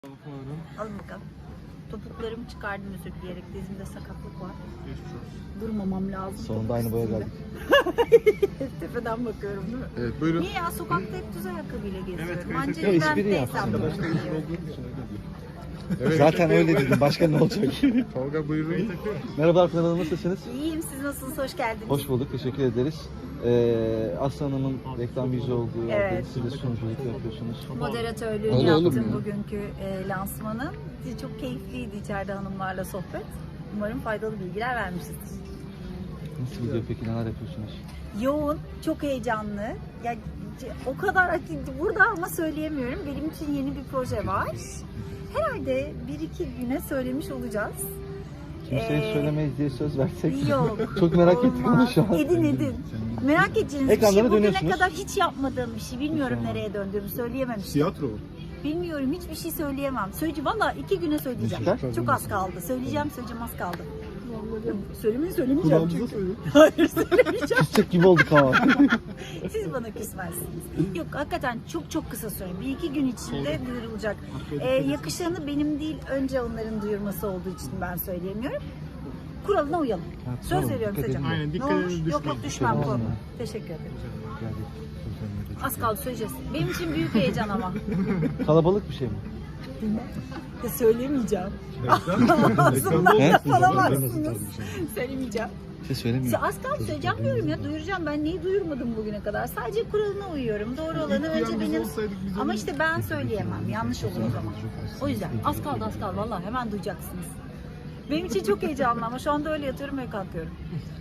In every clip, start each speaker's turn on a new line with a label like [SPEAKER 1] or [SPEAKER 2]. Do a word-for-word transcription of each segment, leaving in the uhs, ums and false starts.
[SPEAKER 1] Bakalım.
[SPEAKER 2] Alın bakalım. Topuklarımı çıkardım özür dileyerek. Dizimde sakatlık var.
[SPEAKER 1] Geçmiş olsun.
[SPEAKER 2] Durmamam lazım.
[SPEAKER 3] Sonunda aynı boya geldik.
[SPEAKER 2] Hep tepeden bakıyorum değil mi?
[SPEAKER 1] Evet buyurun.
[SPEAKER 2] Niye ya? Sokakta hep düz ayakkabıyla geziyorum.
[SPEAKER 1] Evet, kayıt
[SPEAKER 2] Anca
[SPEAKER 1] ediyorum.
[SPEAKER 2] ben
[SPEAKER 3] Espri yaptım.
[SPEAKER 2] değilsem
[SPEAKER 1] Arkadaşlar
[SPEAKER 2] bunu
[SPEAKER 1] işin
[SPEAKER 2] giyiyorum.
[SPEAKER 1] olduğu için öyle diyor. Evet.
[SPEAKER 3] Zaten öyle dedim. Başka ne olacak?
[SPEAKER 1] Tolga buyurun.
[SPEAKER 3] Merhaba arkadaşlar, nasılsınız?
[SPEAKER 2] İyiyim, siz nasılsınız? Hoş geldiniz.
[SPEAKER 3] Hoş bulduk. Teşekkür ederiz. Ee, Aslı Hanım'ın reklam yüzü olduğu yerde
[SPEAKER 2] Evet.
[SPEAKER 3] siz de sunuculuk yapıyorsunuz.
[SPEAKER 2] Moderatörlüğünü
[SPEAKER 3] Öyle olur
[SPEAKER 2] yaptım
[SPEAKER 3] mu ya?
[SPEAKER 2] bugünkü e, lansmanın. Çok keyifliydi içeride hanımlarla sohbet. Umarım faydalı bilgiler vermişizdir.
[SPEAKER 3] Nasıl gidiyor peki? Neler yapıyorsunuz?
[SPEAKER 2] Yoğun, çok heyecanlı. Ya o kadar burada ama söyleyemiyorum. Benim için yeni bir proje var. Herhalde bir iki güne söylemiş olacağız.
[SPEAKER 3] Kimseye
[SPEAKER 2] Ee,
[SPEAKER 3] söylemeyiz diye söz versek.
[SPEAKER 2] Yok.
[SPEAKER 3] Çok merak ettim onu
[SPEAKER 2] olmaz.
[SPEAKER 3] şu an.
[SPEAKER 2] Edin edin. Merak edeceğiniz bir
[SPEAKER 3] Ekranlara
[SPEAKER 2] şey. Bugüne
[SPEAKER 3] dönüyorsunuz.
[SPEAKER 2] kadar hiç yapmadığım bir şey. Bilmiyorum
[SPEAKER 3] Tamam.
[SPEAKER 2] nereye döndüğümü söyleyememiştim.
[SPEAKER 1] Tiyatro.
[SPEAKER 2] Bilmiyorum, hiçbir şey söyleyemem. Söyleyeceğim, valla iki güne söyleyeceğim.
[SPEAKER 3] Müzikal?
[SPEAKER 2] Çok az kaldı. Söyleyeceğim, söyleyeceğim az kaldı. Söylemeyi söylemeyeceğim
[SPEAKER 1] Kulağımıza
[SPEAKER 2] çünkü.
[SPEAKER 1] söyle.
[SPEAKER 2] Hayır söylemeyeceğim.
[SPEAKER 3] Küsecek gibi olduk ama.
[SPEAKER 2] Siz bana küsmezsiniz. Yok hakikaten çok çok kısa süre. Bir iki gün içinde duyurulacak. Ee, yakışanı benim değil, önce onların duyurması olduğu için ben söyleyemiyorum. Kuralına uyalım.
[SPEAKER 3] Ha,
[SPEAKER 2] Söz
[SPEAKER 3] tamam,
[SPEAKER 2] veriyorum
[SPEAKER 3] dikkat
[SPEAKER 2] söyleyeceğim.
[SPEAKER 3] edin.
[SPEAKER 1] Aynen,
[SPEAKER 2] Ne
[SPEAKER 1] dikkat
[SPEAKER 2] olmuş?
[SPEAKER 1] edin,
[SPEAKER 2] Yok yok
[SPEAKER 1] düşmeyin.
[SPEAKER 2] düşmem
[SPEAKER 3] Tamam.
[SPEAKER 2] korkma. Teşekkür ederim.
[SPEAKER 3] Geldik.
[SPEAKER 2] Az kaldı söyleyeceğiz. Benim için büyük heyecan ama.
[SPEAKER 3] Kalabalık bir şey mi?
[SPEAKER 2] Ya söylemeyeceğim.
[SPEAKER 1] Ekranda
[SPEAKER 2] Ağzımdan
[SPEAKER 3] He?
[SPEAKER 2] yapalamazsınız. Söylemeyeceğim.
[SPEAKER 3] Bir şey söylemiyor.
[SPEAKER 2] Az kaldı söyleyeceğim diyorum ya, duyuracağım. Ben neyi duyurmadım bugüne kadar? Sadece kuralına uyuyorum. Doğru olanı önce benim. Ama işte ben söyleyemem. Yanlış olur o zaman. O yüzden az kaldı az kaldı. Vallahi hemen duyacaksınız. Benim için çok heyecanlı ama şu anda öyle yatıyorum ve kalkıyorum.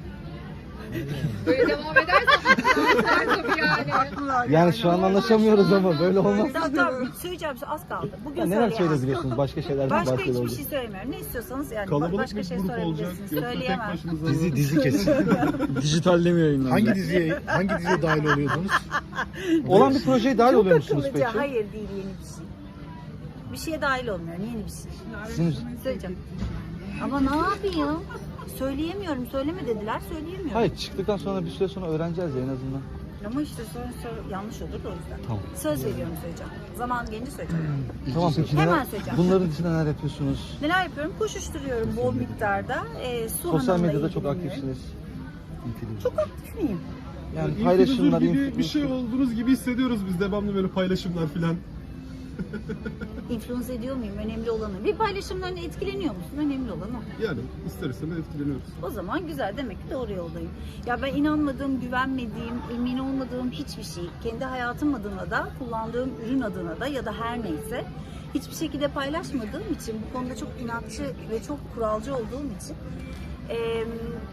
[SPEAKER 4] Böyle devam edersen tabii yani.
[SPEAKER 3] Yani şu an anlaşamıyoruz ama böyle olmaz.
[SPEAKER 2] Tamam tamam söyleyeceğim az kaldı. Bugün
[SPEAKER 3] Ya neler
[SPEAKER 2] söyleyemem.
[SPEAKER 3] söyleyebiliyorsunuz? Başka şeylerden
[SPEAKER 2] Başka
[SPEAKER 3] bahsediyoruz.
[SPEAKER 2] hiçbir şey söylemiyorum. Ne istiyorsanız yani
[SPEAKER 1] Kalabalık
[SPEAKER 2] başka
[SPEAKER 1] bir
[SPEAKER 2] şey
[SPEAKER 1] grup olacak.
[SPEAKER 2] sorabilirsiniz.
[SPEAKER 1] Yoksa tek
[SPEAKER 2] Söyleyemem.
[SPEAKER 1] başınıza
[SPEAKER 3] Dizi dizi kesin.
[SPEAKER 5] Dijitalde mi yayınlandı?
[SPEAKER 6] Hangi diziye hangi diziye dahil oluyordunuz?
[SPEAKER 3] Olan bir projeye dahil
[SPEAKER 2] Çok
[SPEAKER 3] oluyor musunuz
[SPEAKER 2] akıllıca.
[SPEAKER 3] peki?
[SPEAKER 2] Hayır değil, yeni bir şey. Bir şeye dahil olmuyorum, yeni bir şey.
[SPEAKER 3] Sizin
[SPEAKER 2] Söyleyeceğim. Ama ne yapayım? Söyleyemiyorum, söyleme dediler, söyleyemiyorum.
[SPEAKER 3] Hayır, çıktıktan sonra bir süre sonra öğreneceğiz ya en azından.
[SPEAKER 2] Ama işte sonra, sonra yanlış olur da o yüzden.
[SPEAKER 3] Tamam.
[SPEAKER 2] Söz veriyorum söyleyeceğim. Zaman gelince söyleyeceğim.
[SPEAKER 3] Tamam peki
[SPEAKER 2] Hemen
[SPEAKER 3] neler,
[SPEAKER 2] söyleyeceğim.
[SPEAKER 3] bunların dışında neler yapıyorsunuz?
[SPEAKER 2] Neler yapıyorum? Koşuşturuyorum bol miktarda. Ee, su
[SPEAKER 3] Sosyal
[SPEAKER 2] hanımla
[SPEAKER 3] medyada çok
[SPEAKER 2] ilgileniyorum.
[SPEAKER 3] aktifsiniz.
[SPEAKER 2] Çok aktif miyim?
[SPEAKER 3] Yani
[SPEAKER 1] Yani
[SPEAKER 3] paylaşımlar,
[SPEAKER 1] gibi bir
[SPEAKER 3] influencer-
[SPEAKER 1] şey olduğunuz gibi hissediyoruz biz devamlı böyle paylaşımlar filan.
[SPEAKER 2] İnfluence ediyor muyum? Önemli olanı. Bir paylaşımlarına etkileniyor musun? Önemli olan o.
[SPEAKER 1] Yani ister istemez etkileniyoruz.
[SPEAKER 2] O zaman güzel, demek ki doğru yoldayım. Ya ben inanmadığım, güvenmediğim, emin olmadığım hiçbir şey, kendi hayatım adına da, kullandığım ürün adına da ya da her neyse hiçbir şekilde paylaşmadığım için, bu konuda çok inatçı ve çok kuralcı olduğum için eee,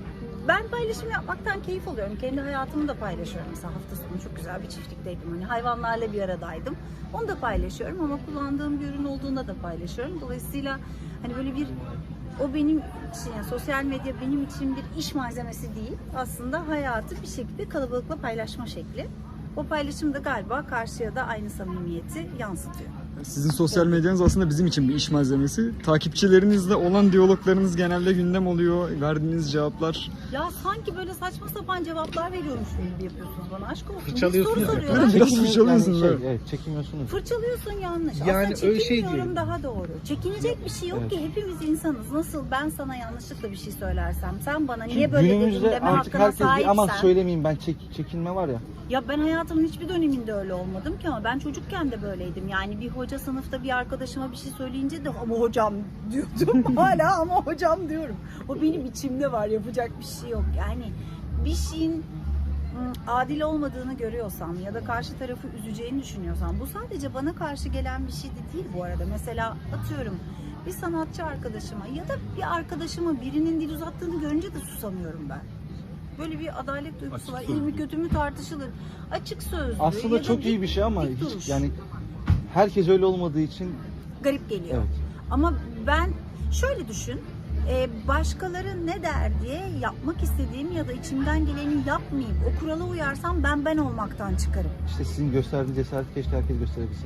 [SPEAKER 2] ben paylaşım yapmaktan keyif alıyorum. Kendi hayatımı da paylaşıyorum. Mesela hafta sonu çok güzel bir çiftlikteydim. Hani hayvanlarla bir aradaydım. Onu da paylaşıyorum ama kullandığım bir ürün olduğunda da paylaşıyorum. Dolayısıyla hani böyle bir o benim için, yani sosyal medya benim için bir iş malzemesi değil. Aslında hayatı bir şekilde kalabalıkla paylaşma şekli. O paylaşım da galiba karşıya da aynı samimiyeti yansıtıyor.
[SPEAKER 5] Sizin sosyal medyanız aslında bizim için bir iş malzemesi. Takipçilerinizle olan diyaloglarınız genelde gündem oluyor. Verdiğiniz cevaplar.
[SPEAKER 2] Ya sanki böyle saçma sapan cevaplar veriyormuş gibi yapıyorsunuz bana. Aşk olsun.
[SPEAKER 6] Fırçalıyorsunuz
[SPEAKER 2] Bir soru
[SPEAKER 6] ya.
[SPEAKER 2] soruyorlar.
[SPEAKER 5] Biraz
[SPEAKER 3] Çekinmiyor-
[SPEAKER 5] fırçalıyorsun
[SPEAKER 3] yani şey,
[SPEAKER 5] böyle.
[SPEAKER 3] evet, çekinmiyorsunuz.
[SPEAKER 2] Fırçalıyorsun yanlış.
[SPEAKER 6] Yani
[SPEAKER 2] Aslında
[SPEAKER 6] öyle şey
[SPEAKER 2] çekinmiyorum,
[SPEAKER 6] diyorum.
[SPEAKER 2] daha doğru. Çekinecek bir şey yok
[SPEAKER 3] Evet.
[SPEAKER 2] ki, hepimiz insanız. Nasıl ben sana yanlışlıkla bir şey söylersem, sen bana niye böyle dedin
[SPEAKER 3] Günümüzde
[SPEAKER 2] deme
[SPEAKER 3] artık
[SPEAKER 2] hakkına
[SPEAKER 3] herkes bir aman
[SPEAKER 2] sahipsen.
[SPEAKER 3] söylemeyeyim ben çek, çekinme var ya.
[SPEAKER 2] Ya ben hayatımın hiçbir döneminde öyle olmadım ki, ama ben çocukken de böyleydim. Yani bir hoca sınıfta bir arkadaşıma bir şey söyleyince de ama hocam diyordum. Hala ama hocam diyorum. O benim içimde var, yapacak bir şey yok. Yani bir şeyin ım, adil olmadığını görüyorsam ya da karşı tarafı üzeceğini düşünüyorsam, bu sadece bana karşı gelen bir şey de değil bu arada. Mesela atıyorum bir sanatçı arkadaşıma ya da bir arkadaşıma birinin dil uzattığını görünce de susamıyorum ben. Böyle bir adalet duygusu
[SPEAKER 1] Açık
[SPEAKER 2] var. İyi
[SPEAKER 1] sözlü.
[SPEAKER 2] mi kötü mü tartışılır. Açık sözlü.
[SPEAKER 3] Aslında
[SPEAKER 2] ya da
[SPEAKER 3] çok
[SPEAKER 2] dik-
[SPEAKER 3] iyi bir şey ama
[SPEAKER 2] dik
[SPEAKER 3] hiç
[SPEAKER 2] duruş.
[SPEAKER 3] yani herkes öyle olmadığı için
[SPEAKER 2] Garip geliyor.
[SPEAKER 3] evet.
[SPEAKER 2] Ama ben şöyle düşün. e, Başkaları ne der diye yapmak istediğim ya da içimden geleni yapmayıp o kurala uyarsam ben ben olmaktan çıkarım.
[SPEAKER 3] İşte sizin gösterdiğiniz cesareti keşke herkes gösterebilse.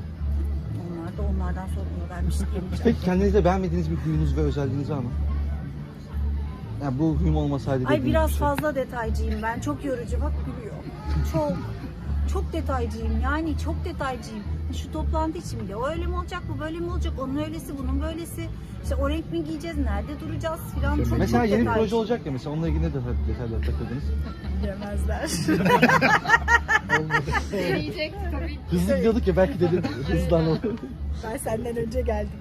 [SPEAKER 2] Onlar da onlardan sorumlularmış diyemeyeceğim.
[SPEAKER 3] Peki kendinizde beğenmediğiniz bir huyunuz ve özelliğiniz var mı? Yani bu huyum olmasaydı
[SPEAKER 2] Ay
[SPEAKER 3] dediğiniz
[SPEAKER 2] biraz
[SPEAKER 3] bir şey.
[SPEAKER 2] fazla detaycıyım ben. Çok yorucu. Bak gülüyor. Çok. Çok detaycıyım. Yani çok detaycıyım. Şu toplantı için bile o öyle mi olacak, bu böyle mi olacak, onun öylesi, bunun böylesi. İşte o renk mi giyeceğiz, nerede duracağız filan. Çok
[SPEAKER 3] Mesela
[SPEAKER 2] çok
[SPEAKER 3] yeni bir
[SPEAKER 2] detay.
[SPEAKER 3] proje olacak ya, mesela onunla ilgili ne detay- detaylar takıldınız?
[SPEAKER 2] Bilemezler.
[SPEAKER 4] Deneyecek tabii ki.
[SPEAKER 3] Hızlı gidiyorduk ya, belki dedim hızlan o.
[SPEAKER 2] Ben senden önce geldim.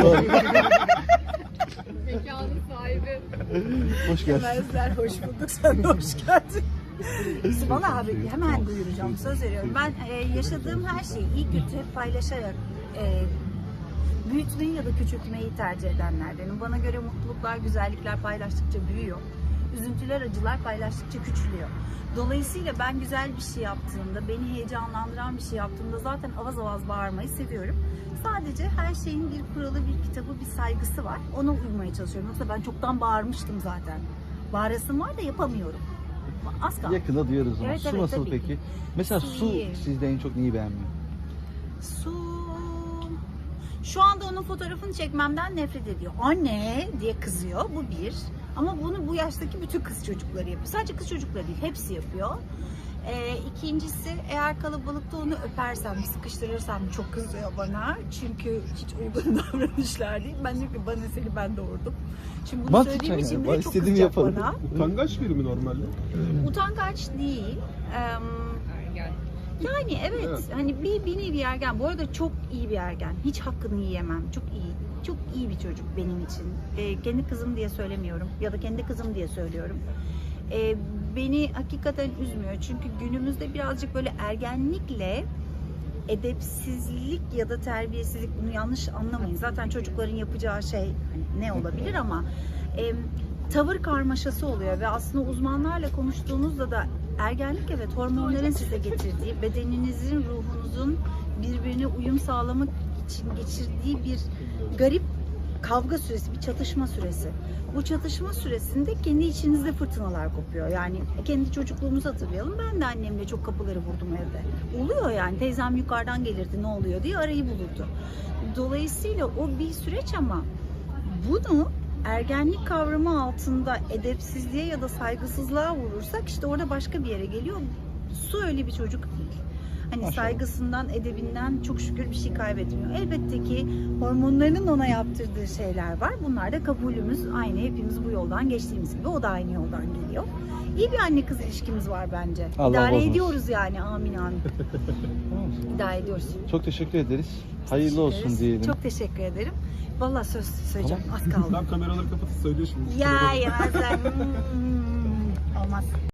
[SPEAKER 4] Mekanın sahibi.
[SPEAKER 3] Hoş geldin.
[SPEAKER 2] Bilemezler, hoş bulduk. Sen de hoş geldin. Valla abi hemen duyuracağım, söz veriyorum. Ben e, yaşadığım her şeyi iyi kötü hep paylaşarak e, büyütmeyi ya da küçültmeyi tercih edenlerdenim. Bana göre mutluluklar, güzellikler paylaştıkça büyüyor. Üzüntüler, acılar paylaştıkça küçülüyor. Dolayısıyla ben güzel bir şey yaptığımda, beni heyecanlandıran bir şey yaptığımda zaten avaz avaz bağırmayı seviyorum. Sadece her şeyin bir kuralı, bir kitabı, bir saygısı var. Ona uymaya çalışıyorum. Yoksa ben çoktan bağırmıştım zaten. Bağırasım var da yapamıyorum. Az kaldı.
[SPEAKER 3] Yakında duyuyoruz ama.
[SPEAKER 2] Evet,
[SPEAKER 3] Su
[SPEAKER 2] evet,
[SPEAKER 3] nasıl
[SPEAKER 2] tabii
[SPEAKER 3] peki?
[SPEAKER 2] ki.
[SPEAKER 3] Mesela
[SPEAKER 2] Su
[SPEAKER 3] su
[SPEAKER 2] iyi.
[SPEAKER 3] sizde en çok neyi beğenmiyor?
[SPEAKER 2] Su... Şu anda onun fotoğrafını çekmemden nefret ediyor. Anne diye kızıyor. Bu bir. Ama bunu bu yaştaki bütün kız çocukları yapıyor. Sadece kız çocukları değil, hepsi yapıyor. Ee, ikincisi, eğer kalabalıkta onu öpersem, sıkıştırırsam çok kızıyor bana. Çünkü hiç uygun davranışlar değil. Ben diyorum ki bana seni ben doğurdum. Şimdi bunu
[SPEAKER 3] Mantıklı
[SPEAKER 2] söylediğim için
[SPEAKER 3] yani.
[SPEAKER 2] bile çok
[SPEAKER 3] İstediğimi
[SPEAKER 2] kızacak
[SPEAKER 3] yaparım.
[SPEAKER 2] bana.
[SPEAKER 1] Utangaç biri mi normalde?
[SPEAKER 2] Utangaç değil. Em,
[SPEAKER 4] Ergen.
[SPEAKER 2] Yani evet,
[SPEAKER 1] Evet.
[SPEAKER 2] hani bir, bir nevi ergen. Bu arada çok iyi bir ergen. Hiç hakkını yiyemem. Çok iyi. Çok iyi bir çocuk benim için. Ee, kendi kızım diye söylemiyorum. Ya da kendi kızım diye söylüyorum. Ee, beni hakikaten üzmüyor. Çünkü günümüzde birazcık böyle ergenlikle edepsizlik ya da terbiyesizlik, bunu yanlış anlamayın. Zaten çocukların yapacağı şey hani ne olabilir ama e, tavır karmaşası oluyor ve aslında uzmanlarla konuştuğunuzda da ergenlik evet hormonların size getirdiği, bedeninizin, ruhunuzun birbirine uyum sağlamak için geçirdiği bir garip kavga süresi, bir çatışma süresi. Bu çatışma süresinde kendi içinizde fırtınalar kopuyor. Yani kendi çocukluğumuzu hatırlayalım. Ben de annemle çok kapıları vurdum evde. Oluyor yani. Teyzem yukarıdan gelirdi, ne oluyor diye arayı bulurdu. Dolayısıyla o bir süreç ama bunu ergenlik kavramı altında edepsizliğe ya da saygısızlığa vurursak işte orada başka bir yere geliyor. Su öyle bir çocuk değil. Hani
[SPEAKER 3] Maşallah.
[SPEAKER 2] saygısından, edebinden çok şükür bir şey kaybetmiyor. Elbette ki hormonlarının ona yaptırdığı şeyler var. Bunlar da kabulümüz. Aynı hepimiz bu yoldan geçtiğimiz gibi o da aynı yoldan geliyor. İyi bir anne kız ilişkimiz var bence.
[SPEAKER 3] Allah
[SPEAKER 2] İdare
[SPEAKER 3] bozmasın.
[SPEAKER 2] ediyoruz yani. Amin amin. İdare ediyoruz.
[SPEAKER 3] Çok teşekkür ederiz. Hayırlı olsun
[SPEAKER 2] Ederiz.
[SPEAKER 3] diyelim.
[SPEAKER 2] Çok teşekkür ederim. Vallahi söz söyleyeceğim. Az kaldı.
[SPEAKER 1] Tam kameraları kapatıp söylüyor şimdi.
[SPEAKER 2] Ya yemezler. Hmm, olmaz.